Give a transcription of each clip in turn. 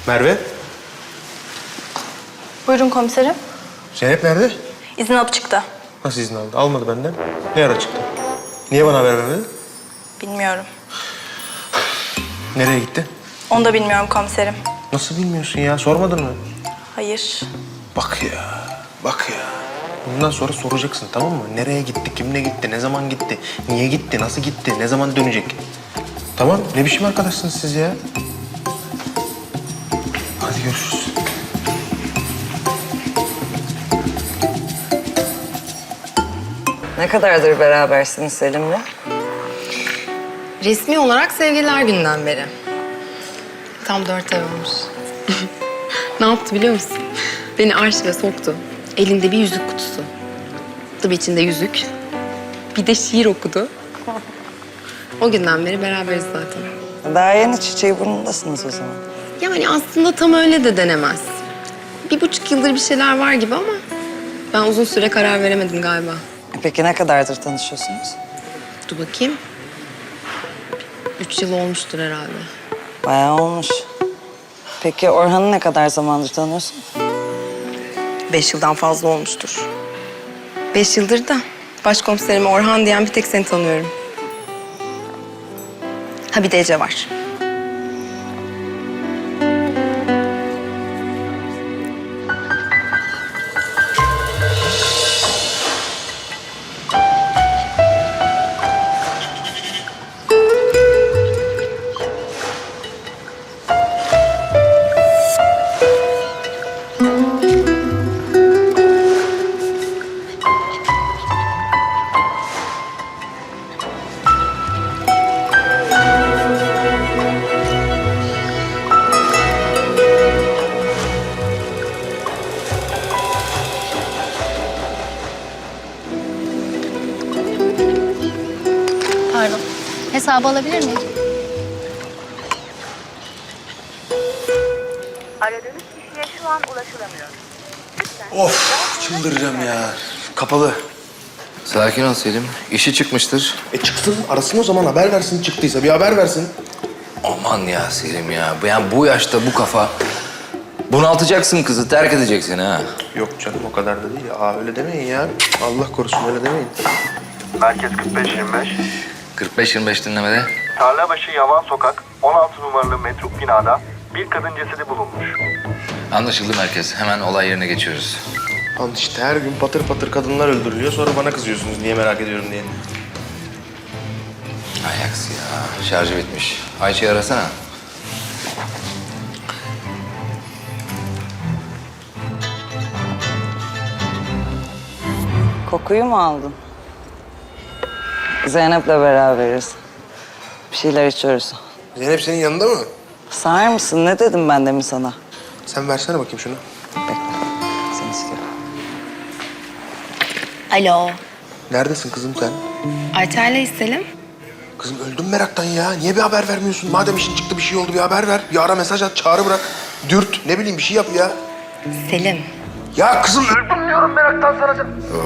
Merve, Buyurun komiserim. Zeynep nerede? İzin alıp çıktı. Nasıl izin aldı? Almadı benden. Ne ara çıktı? Niye bana haber vermedi? Bilmiyorum. Nereye gitti? Onu da bilmiyorum komiserim. Nasıl bilmiyorsun ya? Sormadın mı? Hayır. Bak ya, bak ya. Bundan sonra soracaksın, tamam mı? Nereye gitti, kimle gitti, ne zaman gitti, niye gitti, nasıl gitti, ne zaman dönecek? Tamam, ne biçim arkadaşsınız siz ya? Hadi görüşürüz. Ne kadardır berabersiniz Selim'le? Resmi olarak sevgililer günden beri. Tam 4 ay olmuş. Ne yaptı biliyor musun? Beni arşive soktu. Elinde bir yüzük kutusu. Tabii içinde yüzük. Bir de şiir okudu. O günden beri beraberiz zaten. Daha yeni çiçeği burnundasınız o zaman. Yani aslında tam öyle de denemez. 1,5 yıldır bir şeyler var gibi ama ben uzun süre karar veremedim galiba. Peki ne kadardır tanışıyorsunuz? Dur bakayım. 3 yıl olmuştur herhalde. Bayağı olmuş. Peki Orhan'ı ne kadar zamandır tanıyorsun? 5 yıldan fazla olmuştur. 5 yıldır da başkomiserime Orhan diyen bir tek seni tanıyorum. Ha bir de Ece var. Pardon. Hesabı alabilir miyim? Aradığınız kişiye şu an ulaşılamıyor. Of, çıldıracağım ya. Kapalı. Sakin ol Selim. İşi çıkmıştır. Çıksın, arasın o zaman, haber versin. Çıktıysa bir haber versin. Aman ya Selim ya. Yani bu yaşta bu kafa... Bunaltacaksın kızı, terk edeceksin ha. Yok canım, o kadar da değil. Aa, öyle demeyin ya. Allah korusun, öyle demeyin. Merkez 45-25. 45-25 dinlemede. Tarlabaşı Yavan Sokak, 16 numaralı metruk binada bir kadın cesedi bulunmuş. Anlaşıldı merkez. Hemen olay yerine geçiyoruz. Lan işte her gün patır patır kadınlar öldürülüyor. Sonra bana kızıyorsunuz niye merak ediyorum diye. Ay aksi ya. Şarjı bitmiş. Ayça'yı arasana. Kokuyu mu aldın? Zeynep'le beraberiz. Bir şeyler içiyoruz. Zeynep senin yanında mı? Sağır mısın? Ne dedim ben demin sana? Sen versene bakayım şunu. Bekle. Seni istiyorum. Alo. Neredesin kızım sen? Ayça'yla Selim. Kızım öldüm meraktan ya. Niye bir haber vermiyorsun? Madem işin çıktı, bir şey oldu, bir haber ver. Bir ara mesaj at, çağrı bırak. Dürt, ne bileyim bir şey yap ya. Selim. Ya kızım öldüm diyorum meraktan sana.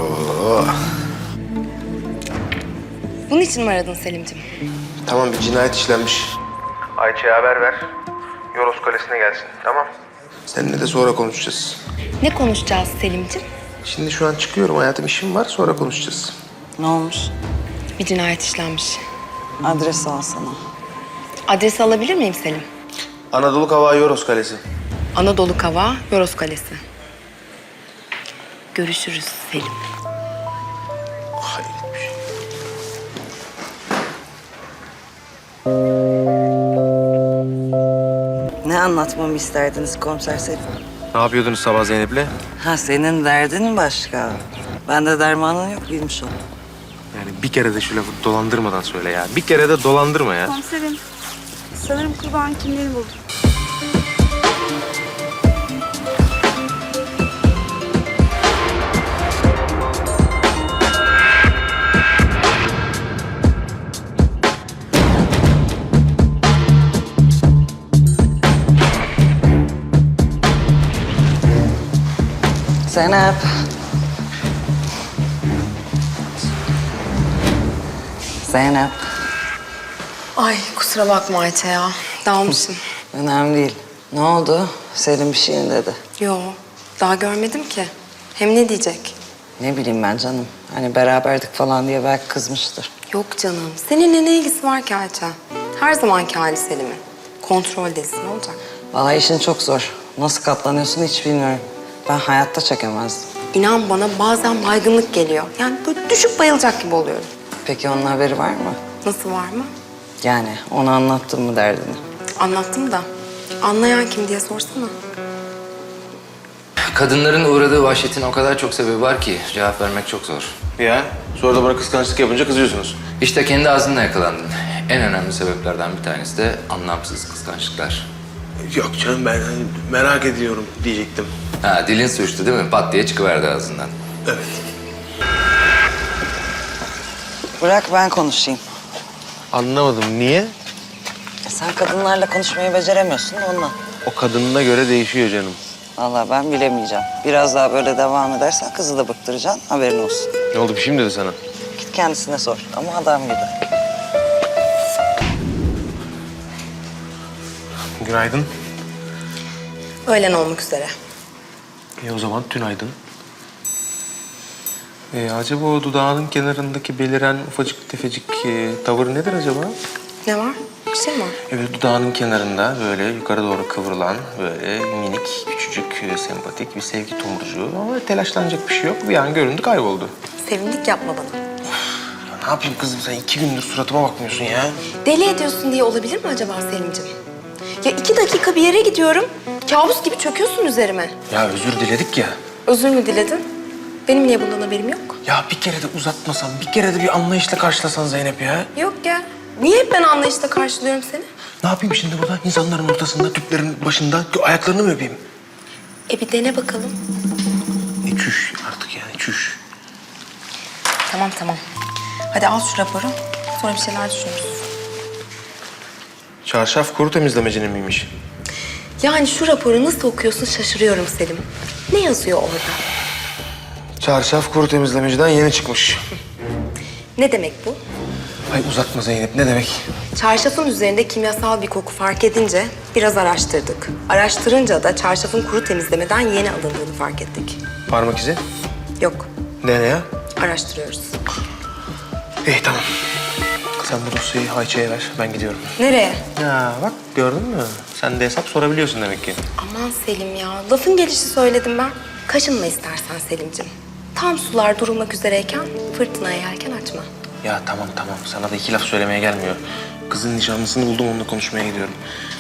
Bunun için mi aradın Selim'ciğim? Tamam, bir cinayet işlenmiş. Ayça'ya haber ver. Yoros Kalesi'ne gelsin, tamam? Seninle de sonra konuşacağız. Ne konuşacağız Selim'ciğim? Şimdi şu an çıkıyorum hayatım, işim var, sonra konuşacağız. Ne olmuş? Bir cinayet işlenmiş. Adresi alsana. Adresi alabilir miyim Selim? Anadolu Kavağı Yoros Kalesi. Anadolu Kavağı, Yoros Kalesi. Görüşürüz Selim. Hayret bir şey. Ne anlatmamı isterdiniz komiser Selim? Ne yapıyordunuz sabah Zeynep'le? Ha senin derdin başka. Bende dermanın yok bilmiş ol. Yani bir kere de şu lafı dolandırmadan söyle ya. Bir kere de dolandırma ya. Komiserim, sanırım kurban kimliğini buldum. Zeynep. Zeynep. Ay kusura bakma Ayça ya. Dalmışım. Önemli değil. Ne oldu? Selim bir şey mi dedi? Yo, daha görmedim ki. Hem ne diyecek? Ne bileyim ben canım. Hani beraberdik falan diye belki kızmıştır. Yok canım, seninle ne ilgisi var ki Ayça? Her zamanki hali Selim'in. Kontrol delisi ne olacak? Vallahi işin çok zor. Nasıl katlanıyorsun hiç bilmiyorum. Ben hayatta çekemezdim. İnan bana bazen baygınlık geliyor. Yani böyle düşüp bayılacak gibi oluyorum. Peki onun haberi var mı? Nasıl var mı? Yani ona anlattın mı derdini? Anlattım da. Anlayan kim diye sorsana. Kadınların uğradığı vahşetin o kadar çok sebebi var ki cevap vermek çok zor. Ya sonra da bana kıskançlık yapınca kızıyorsunuz. İşte kendi ağzınla yakalandın. En önemli sebeplerden bir tanesi de anlamsız kıskançlıklar. Yok canım ben hani merak ediyorum diyecektim. Ha, dilin sürçtü değil mi? Pat diye çıkıverdi ağzından. Evet. Bırak ben konuşayım. Anlamadım niye? Sen kadınlarla konuşmayı beceremiyorsun da ondan. O kadınına göre değişiyor canım. Vallahi ben bilemeyeceğim. Biraz daha böyle devam edersen kızı da bıktıracaksın. Haberin olsun. Ne oldu bir şey mi dedi sana? Git kendisine sor. Ama adam gibi. Günaydın. Öğlen olmak üzere. O zaman tünaydın. Acaba o dudağının kenarındaki beliren ufacık tefecik tavır nedir acaba? Ne var? Bir şey mi var? Evet dudağının kenarında böyle yukarı doğru kıvrılan böyle minik, küçücük, sempatik bir sevgi tomurcuğu. Ama telaşlanacak bir şey yok. Bir an göründü kayboldu. Sevindik yapma bana. Ya ne yapayım kızım sen 2 gündür suratıma bakmıyorsun ya. Deli ediyorsun diye olabilir mi acaba Selim'ciğim? Ya 2 dakika bir yere gidiyorum. Kabus gibi çöküyorsun üzerime. Ya özür diledik ya. Özür mü diledin? Benim niye bundan haberim yok? Ya bir kere de uzatmasan, bir kere de bir anlayışla karşılasan Zeynep ya. Yok ya. Niye hep ben anlayışla karşılıyorum seni? Ne yapayım şimdi burada insanların ortasında, tüplerin başında ayaklarını mı öpeyim? Bir dene bakalım. Çüş artık yani çüş. Tamam. Hadi al şu raporu. Sonra bir şeyler düşünürüz. Çarşaf kuru temizlemecinin miymiş? Yani şu raporu nasıl okuyorsun şaşırıyorum Selim. Ne yazıyor orada? Çarşaf kuru temizlemeciden yeni çıkmış. Ne demek bu? Ay uzatma Zeynep ne demek? Çarşafın üzerinde kimyasal bir koku fark edince biraz araştırdık. Araştırınca da çarşafın kuru temizlemeden yeni alındığını fark ettik. Parmak izi? Yok, Nereye? araştırıyoruz. İyi tamam. Sen bu dosyayı Ayça'ya ver ben gidiyorum. Nereye? Ya bak gördün mü? Sen de hesap sorabiliyorsun demek ki. Aman Selim ya, lafın gelişi söyledim ben. Kaşınma istersen Selim'ciğim. Tam sular durulmak üzereyken fırtınaya yelken açma. Ya tamam sana da 2 laf söylemeye gelmiyor. Kızın nişanlısını buldum onunla konuşmaya gidiyorum.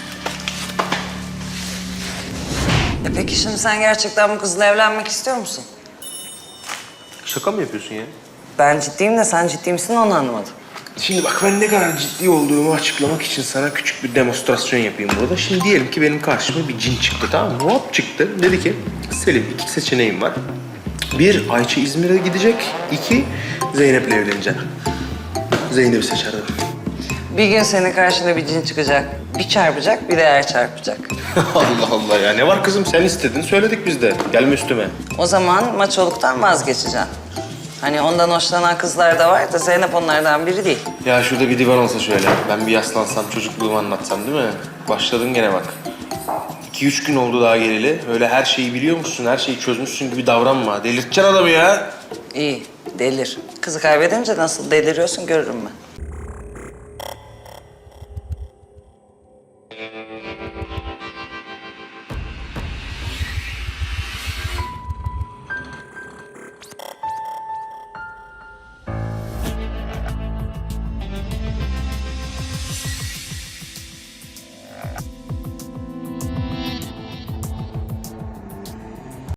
Peki şimdi sen gerçekten bu kızla evlenmek istiyor musun? Şaka mı yapıyorsun ya? Ben ciddiyim de sen ciddi misin onu anlamadım. Şimdi bak ben ne kadar ciddi olduğumu açıklamak için sana küçük bir demonstrasyon yapayım burada. Şimdi diyelim ki benim karşıma bir cin çıktı tamam mı? Hop çıktı. Dedi ki Selim 2 seçeneğim var. 1 Ayça İzmir'e gidecek. 2 Zeynep'le evleneceğim. Zeynep'i seçerdim. Bir gün senin karşına bir cin çıkacak. Bir çarpacak, bir de yer çarpacak. Allah Allah ya ne var kızım sen istedin söyledik biz de. Gelme üstüme. O zaman maçoluktan vazgeçeceksin. Hani ondan hoşlanan kızlar da var da Zeynep onlardan biri değil. Ya şurada bir divan olsa şöyle. Ben bir yaslansam çocukluğumu anlatsam değil mi? Başladın gene bak. 2-3 gün oldu daha geleli. Öyle her şeyi biliyormuşsun, her şeyi çözmüşsün gibi davranma. Delirteceksin adamı ya. İyi, delir. Kızı kaybedince nasıl deliriyorsun görürüm ben.